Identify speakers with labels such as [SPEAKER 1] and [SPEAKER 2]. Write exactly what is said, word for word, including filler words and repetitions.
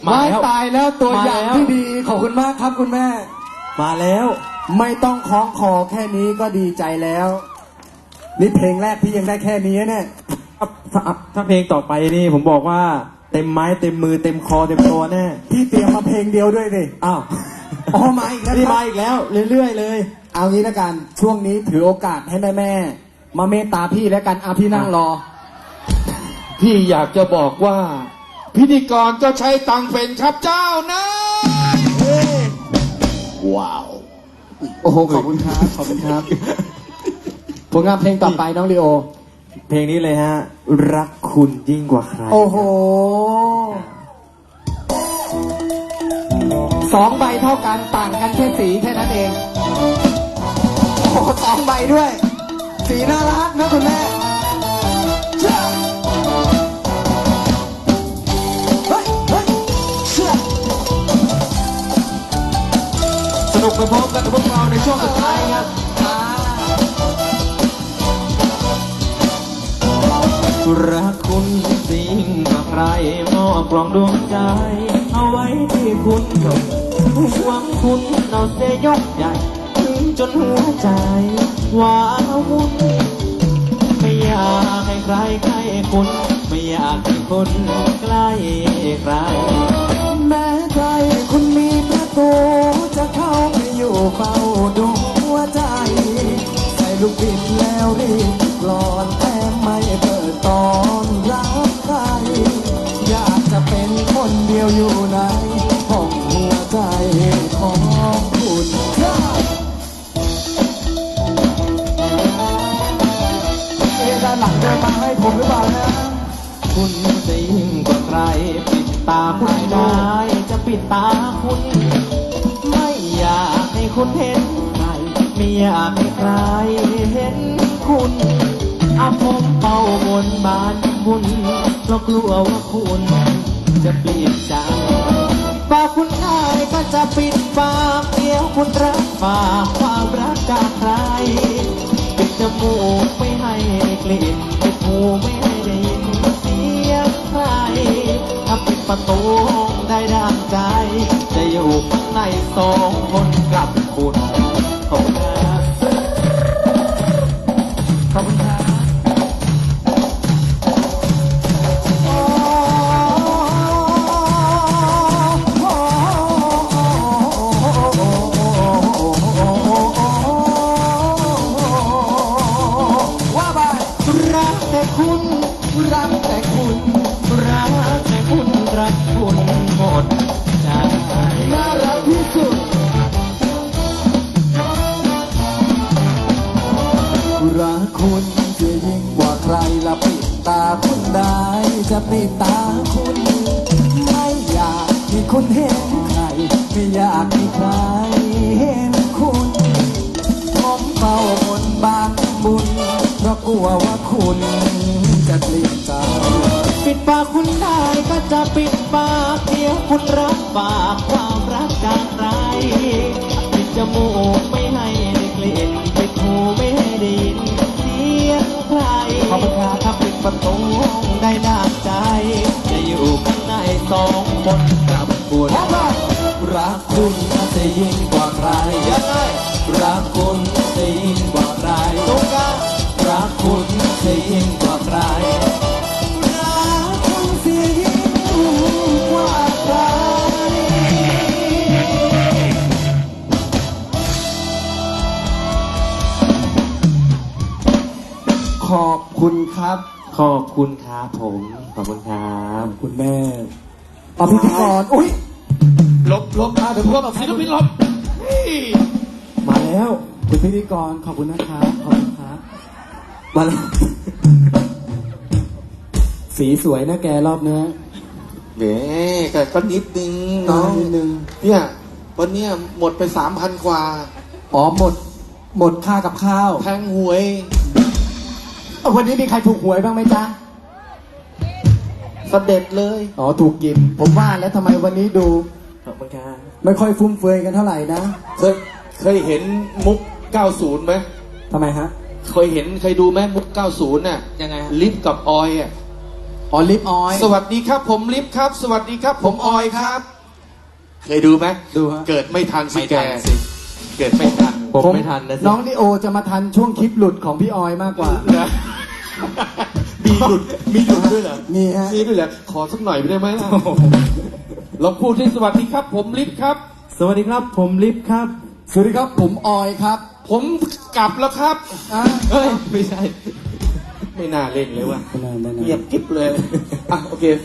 [SPEAKER 1] มาแล้วตายแล้วตัวอย่างที่ดีขอบคุณมากครับคุณแม่
[SPEAKER 2] มาแล้ว
[SPEAKER 1] ไม่ต้องคล้องคอแค่นี้ก็ดีใจแล้วนี่เพลงแรกพี่ยังได้แค่นี้เนี่ย
[SPEAKER 2] ถ้าถ้าเพลงต่อไปนี่ผมบอกว่าเต็มไม้เต็มมือเต็มคอเต็มตัวแน่
[SPEAKER 1] พี่เตรียมมาเพลงเดียวด้วยดิ
[SPEAKER 2] อ้าว
[SPEAKER 1] อ๋อมาอีกแล้ว
[SPEAKER 2] นี่มาอีกแล้วเรื่อยๆเลย
[SPEAKER 1] เอางี้ละกันช่วงนี้ถือโอกาสให้แม่แม่มาเมตตาพี่แล้วกันอาพี่นั่งรอ
[SPEAKER 3] พี่อยากจะบอกว่าพิธีกรก็ใช้ตังเป็นครับเจ้านะ
[SPEAKER 1] ว้าวโอ้โหขอบคุณครับขอบคุณครับผลงานเพลงต่อไปน้องลีโอ
[SPEAKER 2] เพลงนี้เลยฮะรักคุณยิ่งกว่าใคร
[SPEAKER 1] โอ้โหสองใบเท่ากันต่างกันแค่สีแค่นั้นเองโอ้สองใบด้วยสีน่ารักนะคุณแม่
[SPEAKER 2] สนุกไปพร้อมกันกับพวกเราในช่วงสุดท้ายครับรักคุณสิ่งกับใครมอบกล่องดวงใจเอาไว้ที่คุณหวังคุณเอาเสยยกใหญ่ถึงจนหัวใจว้าวุ่นไม่อยากให้ใครใกล้คุณไม่อยากให้คุณใกล้ใคร
[SPEAKER 1] แม้ใจคุณมีประตูจะเข้าไปอยู่เฝ้าดูหัวใจใส่ลูกบิดแล้วรีบกลอนแต่ไม่เปิดตอนรับใครอยากจะเป็นคนเดียวอยู่ในห้องหัวใจของคุณเอ๊ะด้านหลังเดินมาให้ผมหรือเปล่านะ
[SPEAKER 2] คุณจะยิ่งกว่าใครปิดตาคุณได้จะปิดตาคุณไม่อยากให้คุณเห็นใครไม่อยากให้ใครเห็นคุณอาผมเป่าบนบานบุญเพราะกลัวว่าคุณจะเปลี่ยนใจปากคุณง่ายก็จะปิดปากเดี๋ยวคุณรับฝากความรักจากใครปิดจมูกไม่ให้ได้กลิ่นปิดหูไม่ให้ได้ยินเสียงใครถ้าปิดประตูได้ดังใจจะอยู่ข้างในสองคนกับคุณขอบคุณครับขอบคุณครับ
[SPEAKER 1] คุณรักแต่คุณ
[SPEAKER 2] รักแต่คุณรักคุณหมดใจ
[SPEAKER 1] น่ารักที่สุดรักคุณจะยิ่งกว่าใครละปิดตาคุณได้จะปิดตาคุณไม่อยากให้คุณเห็นใครไม่อยากให้ใครเห็นคุณผมเฝ้าบนบานบุญเพราะกลัวว่าคุณจะเปลี่ยนใจ
[SPEAKER 2] ปิดปากคุณได้ก็จะปิดปากเดี๋ยวคุณรับฝากความรักจากใครปิดจมูกไม่ให้ได้กลิ่นปิดหูไม่ให้ได้ยินเสียงใครขอบคุณครับถ้าปิดประตูได้ดังใจจะอยู่ข้างในสองคนกับคุณ
[SPEAKER 1] รักคุณจะยิ่งกว่าใคร
[SPEAKER 2] ยังไง
[SPEAKER 1] รักคุณจะยิ่งกว่าใคร
[SPEAKER 2] ตุ๊กตา
[SPEAKER 1] รักคุณจะยิ่งกว่าใครรักคุณจะยิ่งกว่าใครขอบคุณครับ
[SPEAKER 2] ขอบคุณครับผมขอบคุณครับ
[SPEAKER 1] คุณแม่เอาพิธีกรอุ้ย
[SPEAKER 3] ลบลบมาเดี๋ยวพวกศิลปินลบ
[SPEAKER 1] มาแล้วคุณพิธีกรขอบคุณนะครับขอบคุณครับมาแล้วสีสวยนะแกรอบเนี้ย
[SPEAKER 3] เน่แต่ก็นิดนึงน้อง
[SPEAKER 1] นิดนึง
[SPEAKER 3] เนี่ยวันเนี้ยหมดไปสามพันกว่า
[SPEAKER 1] อ๋อหมดหมดค่ากับข้าว
[SPEAKER 3] แทงหวย
[SPEAKER 1] วันนี้มีใครถูกหวยบ้างไหมจ๊ะ
[SPEAKER 3] เสด็จเลย
[SPEAKER 1] อ๋อถูกยิมผมว่าแล้วทำไมวันนี้ดู
[SPEAKER 2] ขอบคุณครับ
[SPEAKER 1] ไม่ค่อยฟุ่มเฟือยกันเท่าไหร่นะ
[SPEAKER 3] เคยเคยเห็นมุกเก้าสิบไหม
[SPEAKER 1] ทำไมฮะ
[SPEAKER 3] เคยเห็นเคยดูไหมมุกเก้าสิบน่ะ
[SPEAKER 2] ยังไง
[SPEAKER 3] ลิฟกับออยอ่ะ
[SPEAKER 1] ออลิฟออย
[SPEAKER 3] สวัสดีครับ ผมลิฟครับ สวัสดีครับ ผมออยครับ เคยดูไหม
[SPEAKER 1] ดูฮะ
[SPEAKER 3] เกิดไม่ทันสิ
[SPEAKER 2] ไม่
[SPEAKER 3] แก
[SPEAKER 2] ทันสิ
[SPEAKER 3] เกิดไม่ทัน
[SPEAKER 2] ผมไม่ทันนะสิ
[SPEAKER 1] น้องดิโอจะมาทันช่วงคลิปหลุดของพี่ออยมากกว่า
[SPEAKER 3] นะมีหลุดมีหลุดด้วยเหรอ
[SPEAKER 1] มีฮะ
[SPEAKER 3] มีด้วยเหรอขอสักหน่อยได้ไหมล่ะลองพูดที่สวัสดีครับ ผมลิฟครับ
[SPEAKER 2] สวัสดีครับ ผมลิฟครับ
[SPEAKER 1] สวัสดีครับผมออยครับ
[SPEAKER 3] ผมกลับแล้วครับ
[SPEAKER 1] อ่ะ
[SPEAKER 2] เฮ้ย ไม่ใช่
[SPEAKER 3] ไม่น่าเล่นเลยว่ะ
[SPEAKER 1] ไม่นานไม่นาน
[SPEAKER 3] เงียบกิ๊บเลยอ่ะโอเค